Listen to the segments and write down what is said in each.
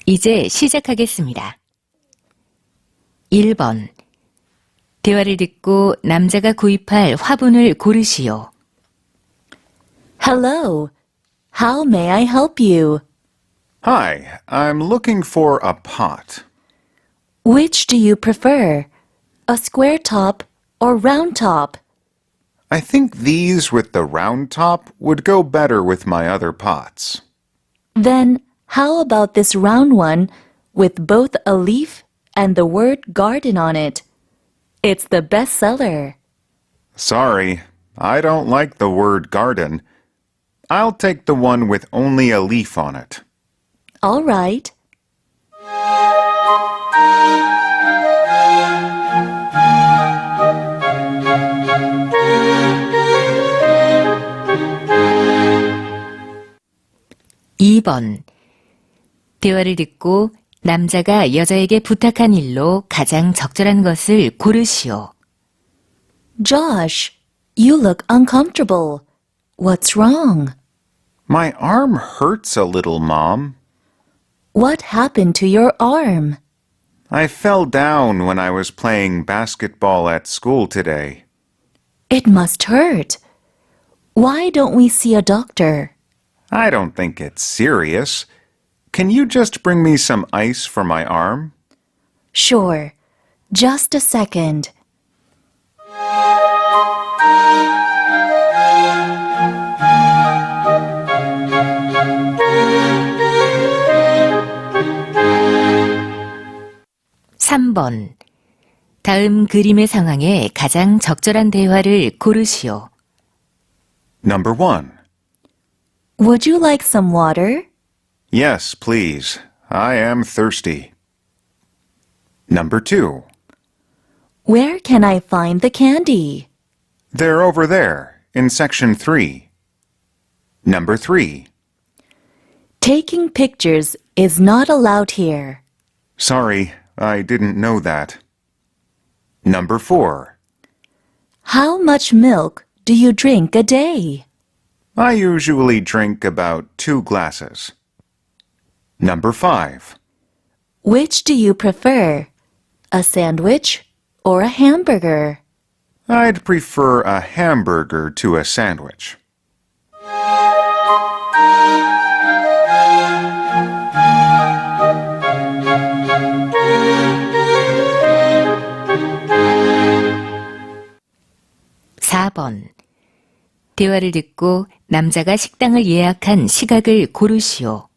이제 시작하겠습니다. 1번. 대화를 듣고 남자가 구입할 화분을 고르시오. Hello. How may I help you? Hi, I'm looking for a pot. Which do you prefer? A square top or round top? I think these with the round top would go better with my other pots. Then how about this round one with both a leaf and the word garden on it? It's the best seller. Sorry, I don't like the word garden. I'll take the one with only a leaf on it. All right. (2번) 대화를 듣고 남자가 여자에게 부탁한 일로 가장 적절한 것을 고르시오. Josh, you look uncomfortable. What's wrong? My arm hurts a little, Mom. What happened to your arm? I fell down when I was playing basketball at school today. It must hurt. Why don't we see a doctor? I don't think it's serious. Can you just bring me some ice for my arm? Sure. Just a second. (3번) 다음 그림의 상황에 가장 적절한 대화를 고르시오. Number 1. Would you like some water? Yes, please. I am thirsty. Number 2. Where can I find the candy? They're over there, in section 3. Number 3. Taking pictures is not allowed here. Sorry, I didn't know that. Number 4. How much milk do you drink a day? I usually drink about 2 glasses. Number 5. Which do you prefer? A sandwich or a hamburger? I'd prefer a hamburger to a sandwich. (4번) 대화를 듣고 남자가 식당을 예약한 시각을 고르시오.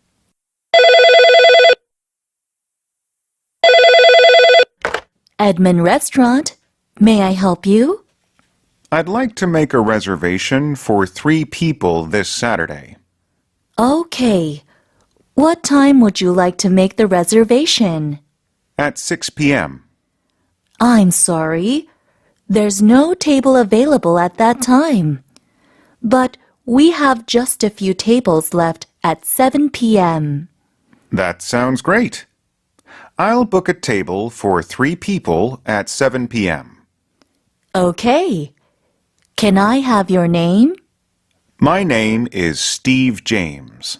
Edmund Restaurant. May I help you? I'd like to make a reservation for 3 people this Saturday. Okay. What time would you like to make the reservation? At 6 p.m. I'm sorry. There's no table available at that time. But we have just a few tables left at 7 p.m. That sounds great. I'll book a table for 3 people at 7 p.m. Okay. Can I have your name? My name is Steve James.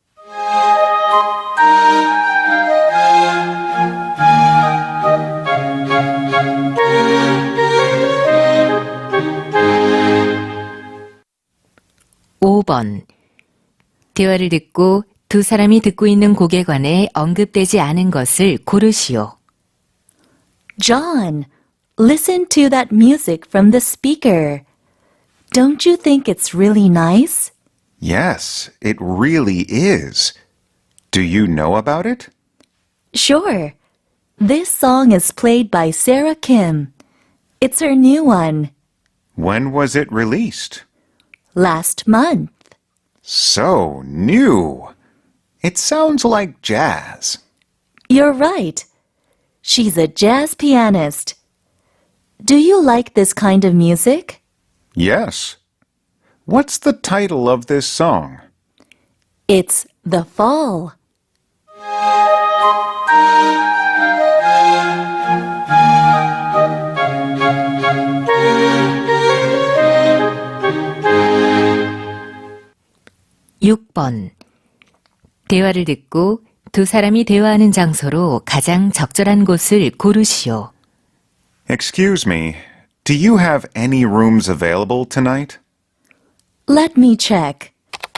(5번) 대화를 듣고 두 사람이 듣고 있는 곡에 관해 언급되지 않은 것을 고르시오. John, listen to that music from the speaker. Don't you think it's really nice? Yes, it really is. Do you know about it? Sure. This song is played by Sarah Kim. It's her new one. When was it released? Last month. So new. It sounds like jazz. You're right. She's a jazz pianist. Do you like this kind of music? Yes. What's the title of this song? It's The Fall. (6번) 대화를 듣고 두 사람이 대화하는 장소로 가장 적절한 곳을 고르시오. Excuse me, do you have any rooms available tonight? Let me check.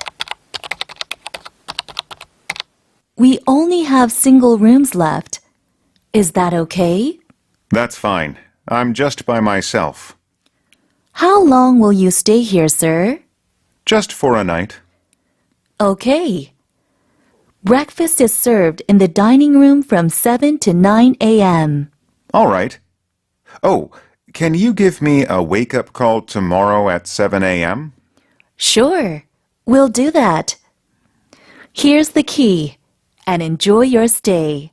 We only have single rooms left. Is that okay? That's fine. I'm just by myself. How long will you stay here, sir? Just for a night. Okay. Breakfast is served in the dining room from 7 to 9 a.m. All right. Oh, can you give me a wake-up call tomorrow at 7 a.m.? Sure, we'll do that. Here's the key, and enjoy your stay.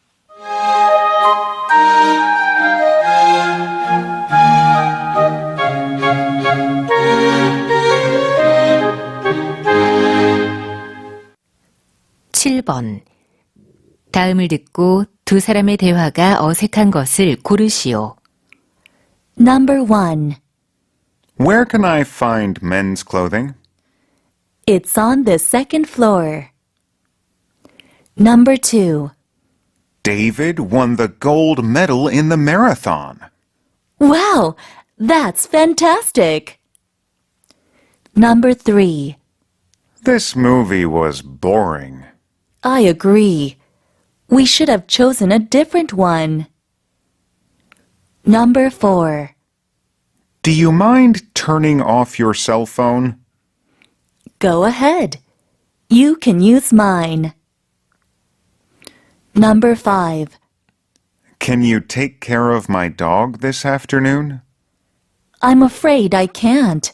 (7번) 다음을 듣고 두 사람의 대화가 어색한 것을 고르시오. Number 1. Where can I find men's clothing? It's on the second floor. Number 2. David won the gold medal in the marathon. Wow, that's fantastic. Number 3. This movie was boring. I agree. We should have chosen a different one. Number 4. Do you mind turning off your cell phone? Go ahead. You can use mine. Number 5. Can you take care of my dog this afternoon? I'm afraid I can't.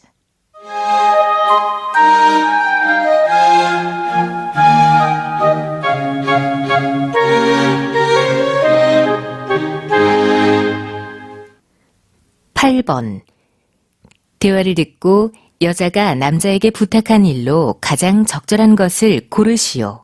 (8번) 대화를 듣고 여자가 남자에게 부탁한 일로 가장 적절한 것을 고르시오.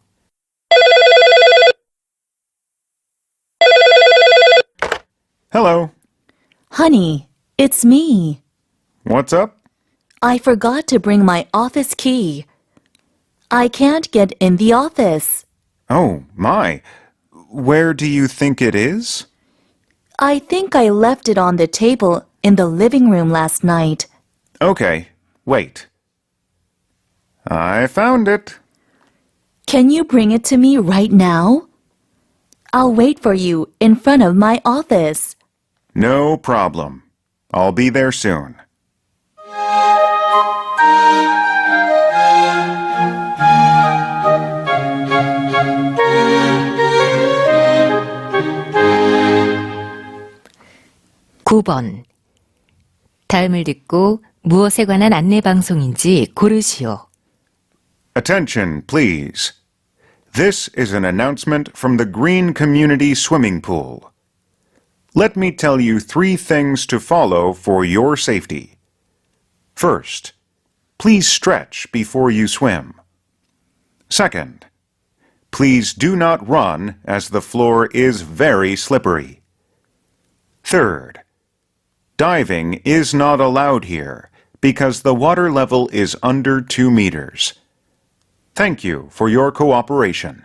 Hello. Honey, it's me. What's up? I forgot to bring my office key. I can't get in the office. Oh, my. Where do you think it is? I think I left it on the table in the living room last night. Okay, wait. I found it. Can you bring it to me right now? I'll wait for you in front of my office. No problem. I'll be there soon. (9번) 다음을 듣고 무엇에 관한 안내 방송인지 고르시오. Attention, please. This is an announcement from the Green Community Swimming Pool. Let me tell you 3 things to follow for your safety. First, please stretch before you swim. Second, please do not run as the floor is very slippery. Third, diving is not allowed here because the water level is under 2 meters. Thank you for your cooperation.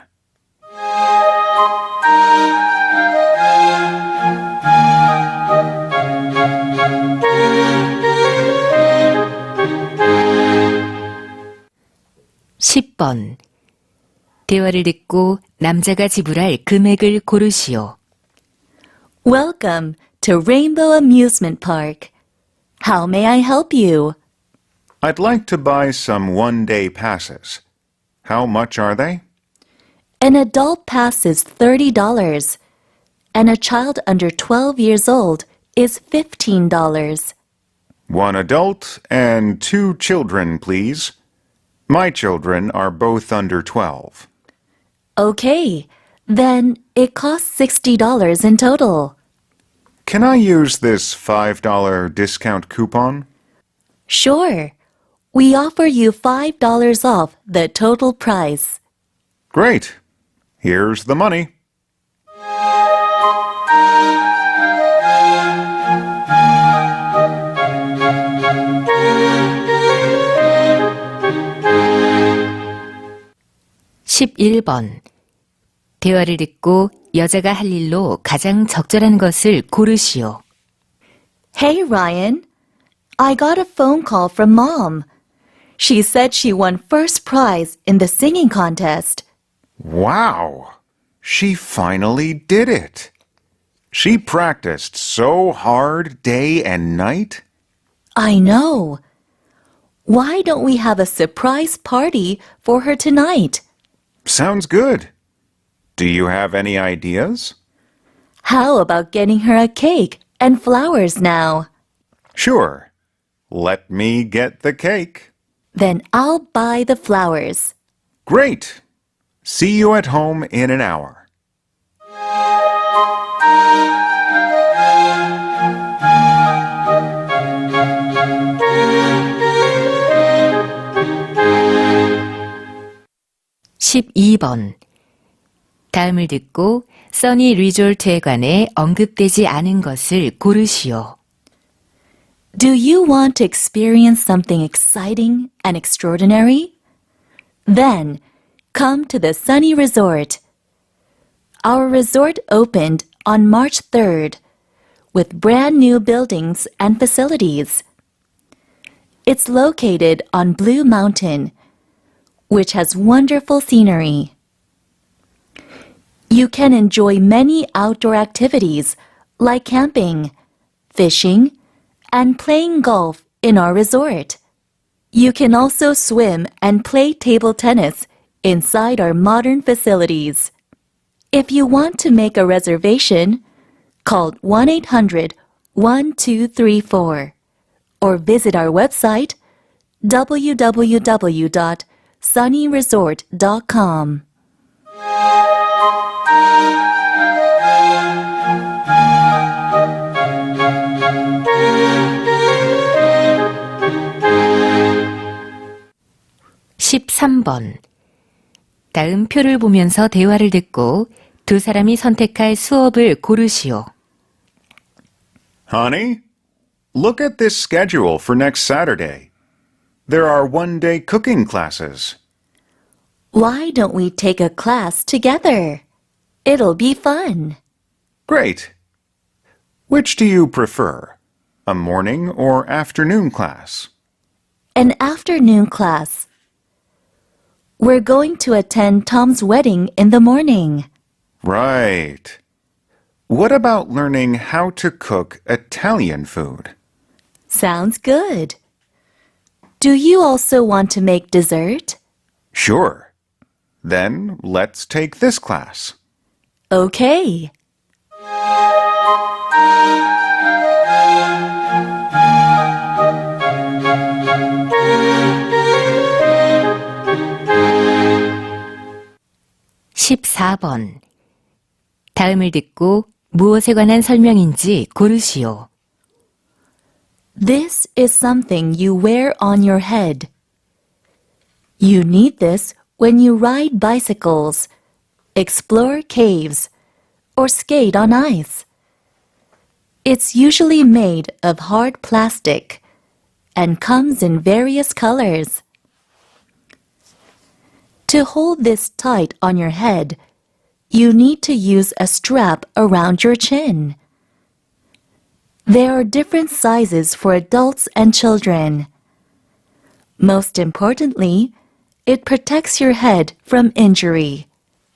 (10번) 대화를 듣고 남자가 지불할 금액을 고르시오. Welcome to Rainbow Amusement Park. How may I help you? I'd like to buy some one-day passes. How much are they? An adult pass is $30, and a child under 12 years old is $15. 1 adult and 2 children, please. My children are both under 12. Okay, then it costs $60 in total. Can I use this $5 discount coupon? Sure. We offer you $5 off the total price. Great. Here's the money. (11번) 대화를 듣고 여자가 할 일로 가장 적절한 것을 고르시오. Hey, Ryan. I got a phone call from Mom. She said she won first prize in the singing contest. Wow! She finally did it! She practiced so hard day and night. I know. Why don't we have a surprise party for her tonight? Sounds good. Do you have any ideas? How about getting her a cake and flowers now? Sure. Let me get the cake. Then I'll buy the flowers. Great! See you at home in an hour. 12번. 다음을 듣고 써니 리조트에 관해 언급되지 않은 것을 고르시오. Do you want to experience something exciting and extraordinary? Then, come to the Sunny Resort. Our resort opened on March 3rd with brand new buildings and facilities. It's located on Blue Mountain, which has wonderful scenery. You can enjoy many outdoor activities like camping, fishing, and playing golf in our resort. You can also swim and play table tennis inside our modern facilities. If you want to make a reservation, call 1-800-1234 or visit our website www.sunnyresort.com. (13번) 다음 표를 보면서 대화를 듣고 두 사람이 선택할 수업을 고르시오. Honey, look at this schedule for next Saturday. There are one-day cooking classes. Why don't we take a class together? It'll be fun. Great. Which do you prefer, a morning or afternoon class? An afternoon class. We're going to attend Tom's wedding in the morning. Right. What about learning how to cook Italian food? Sounds good. Do you also want to make dessert? Sure. Then let's take this class. Okay. (14번) 다음을 듣고 무엇에 관한 설명인지 고르시오. This is something you wear on your head. You need this when you ride bicycles, explore caves, or skate on ice. It's usually made of hard plastic and comes in various colors. To hold this tight on your head, you need to use a strap around your chin. There are different sizes for adults and children. Most importantly, it protects your head from injury.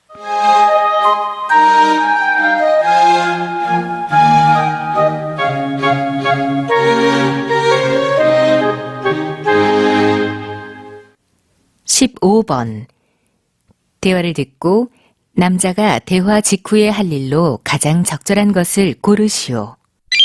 (15번) 대화를 듣고 남자가 대화 직후에 할 일로 가장 적절한 것을 고르시오.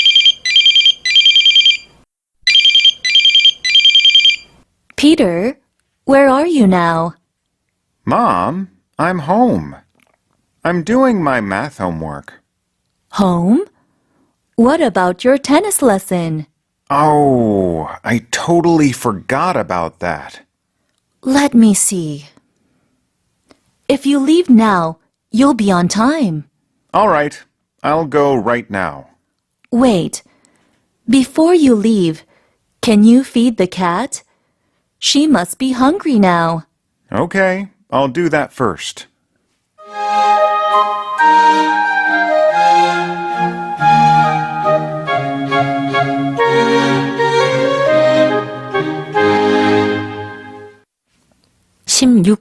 Peter, where are you now? Mom, I'm home. I'm doing my math homework. Home? What about your tennis lesson? Oh, I totally forgot about that. Let me see. If you leave now, you'll be on time. All right, I'll go right now. Wait. Before you leave, can you feed the cat? She must be hungry now. Okay, I'll do that first.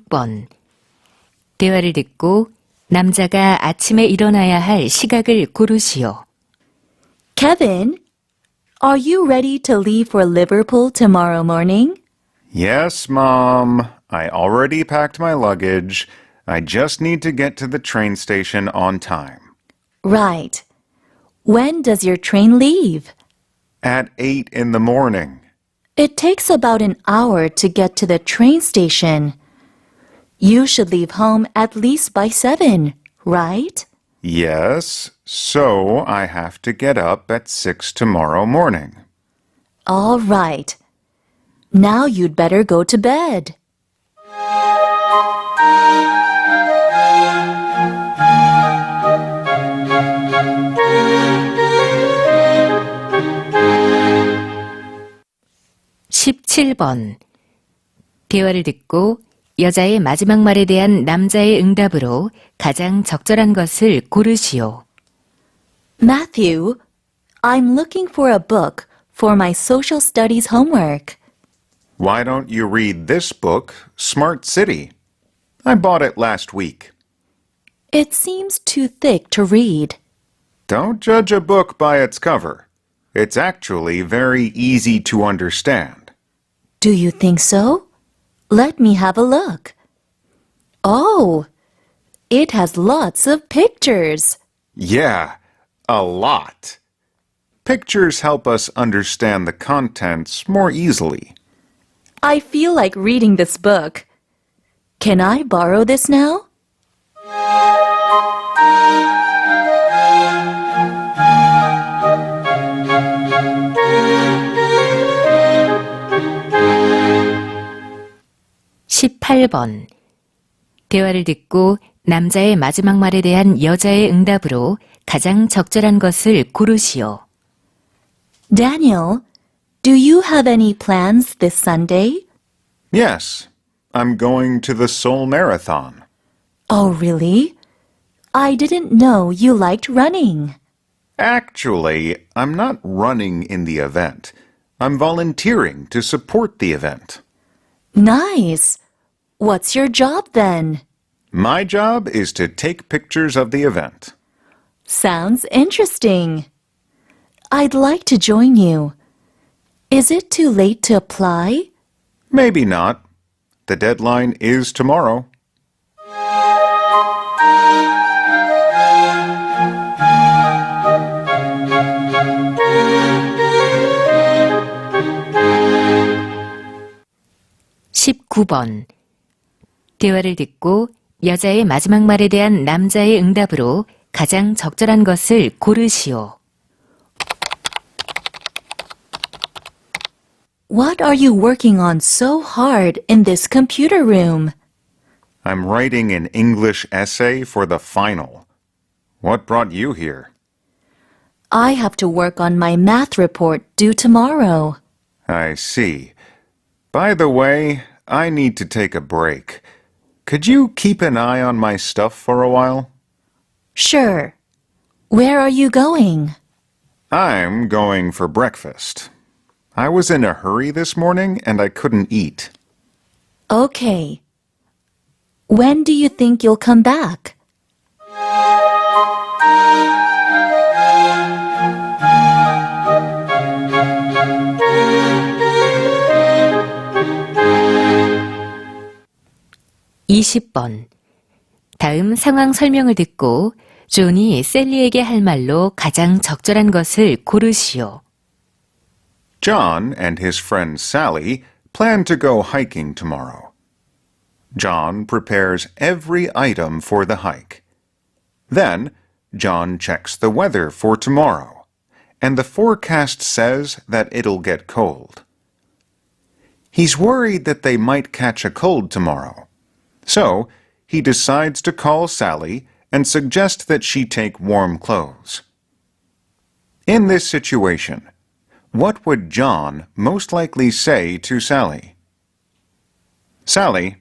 16번. 대화를 듣고 남자가 아침에 일어나야 할 시각을 고르시오. Kevin, are you ready to leave for Liverpool tomorrow morning? Yes, Mom. I already packed my luggage. I just need to get to the train station on time. Right. When does your train leave? At 8 in the morning. It takes about an hour to get to the train station. You should leave home at least by 7, right? Yes, so I have to get up at 6 tomorrow morning. All right. Now you'd better go to bed. (17번) 대화를 듣고 여자의 마지막 말에 대한 남자의 응답으로 가장 적절한 것을 고르시오. Matthew, I'm looking for a book for my social studies homework. Why don't you read this book, Smart City? I bought it last week. It seems too thick to read. Don't judge a book by its cover. It's actually very easy to understand. Do you think so? Let me have a look. Oh, it has lots of pictures. Yeah, a lot. Pictures help us understand the contents more easily. I feel like reading this book. Can I borrow this now? (18번) 대화를 듣고 남자의 마지막 말에 대한 여자의 응답으로 가장 적절한 것을 고르시오. Daniel, do you have any plans this Sunday? Yes, I'm going to the Seoul Marathon. Oh, really? I didn't know you liked running. Actually, I'm not running in the event. I'm volunteering to support the event. Nice. What's your job then? My job is to take pictures of the event. Sounds interesting. I'd like to join you. Is it too late to apply? Maybe not. The deadline is tomorrow. (19번) 대화를 듣고 여자의 마지막 말에 대한 남자의 응답으로 가장 적절한 것을 고르시오. What are you working on so hard in this computer room? I'm writing an English essay for the final. What brought you here? I have to work on my math report due tomorrow. I see. By the way, I need to take a break. Could you keep an eye on my stuff for a while? Sure. Where are you going? I'm going for breakfast. I was in a hurry this morning and I couldn't eat. Okay. When do you think you'll come back? (20번) 다음 상황 설명을 듣고 존이 셀리에게 할 말로 가장 적절한 것을 고르시오. John and his friend Sally plan to go hiking tomorrow. John prepares every item for the hike. Then, John checks the weather for tomorrow, and the forecast says that it'll get cold. He's worried that they might catch a cold tomorrow, so he decides to call Sally and suggest that she take warm clothes. In this situation, what would John most likely say to Sally? Sally,